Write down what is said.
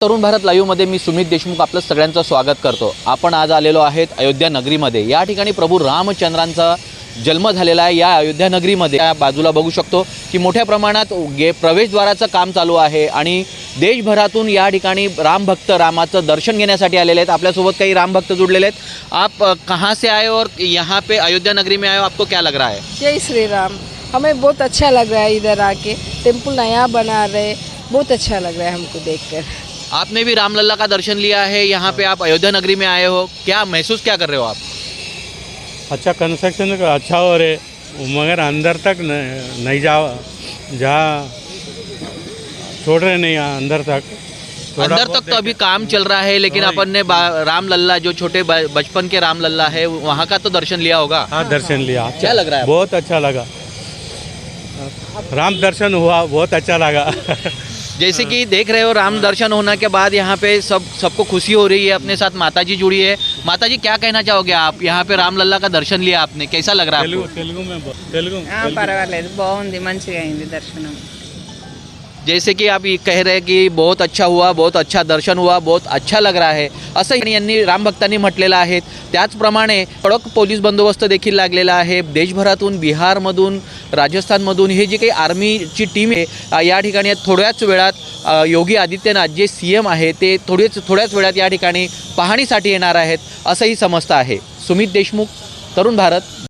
तरुण भारत लाईव्हमध्ये मी सुमित देशमुख आपलं सगळ्यांचं स्वागत करतो। आपण आज आलेलो आहेत अयोध्या नगरीमध्ये। या ठिकाणी प्रभू रामचंद्रांचा जन्म झालेला आहे। या अयोध्या नगरीमध्ये या बाजूला बघू शकतो की मोठ्या प्रमाणात प्रवेशद्वाराचं काम चालू आहे आणि देशभरातून या ठिकाणी रामभक्त रामाचं दर्शन घेण्यासाठी आलेले आहेत। आपल्यासोबत काही रामभक्त जुड़लेले आहेत। आप कहाँ से आए और यहाँ पे अयोध्या नगरी में आए हो, आपको क्या लग रहा है? जय श्री राम। हमें बहुत अच्छा लग रहा है इधर आके, टेम्पल नया बना रहे, बहुत अच्छा लग रहा है हमको देखकर। आपने भी रामलला का दर्शन लिया है, यहाँ पे आप अयोध्या नगरी में आए हो, क्या महसूस क्या कर रहे हो आप? अच्छा कंस्ट्रक्शन अच्छा हो रहे, मगर अंदर तक नहीं जा छोड़ रहे नहीं अंदर तक। अंदर तक तो अभी काम चल रहा है, लेकिन अपन ने रामलल्ला जो छोटे बचपन के रामलल्ला है वहाँ का तो दर्शन लिया होगा। हाँ दर्शन लिया। क्या लग रहा है? बहुत अच्छा लगा, राम दर्शन हुआ, बहुत अच्छा लगा। जैसे कि देख रहे हो राम दर्शन होने के बाद यहाँ पे सबको खुशी हो रही है। अपने साथ माता जी जुड़ी है। माता जी क्या कहना चाहोगे आप? यहाँ पे रामलल्ला का दर्शन लिया आपने, कैसा लग रहा है आपको? तेलुगु పర్వాలేదు బాగుంది మంచిగా అయింది దర్శనం। जैसे कि आप ये कह रहे हैं कि बहुत अच्छा हुआ, बहुत अच्छा दर्शन हुआ, बहुत अच्छा लग रहा है, असं यांनी रामभक्तांनी म्हटलेलं आहे। त्याचप्रमाणे कडक पोलीस बंदोबस्त देखील लागलेला आहे। देशभरातून, बिहारमधून, राजस्थानमधून हे जी काही आर्मीची टीम आहे या ठिकाणी थोड्याच वेळात योगी आदित्यनाथ जे CM आहे ते थोड्याच वेळात या ठिकाणी पाहणीसाठी येणार आहेत असंही समजतं आहे। सुमित देशमुख, तरुण भारत।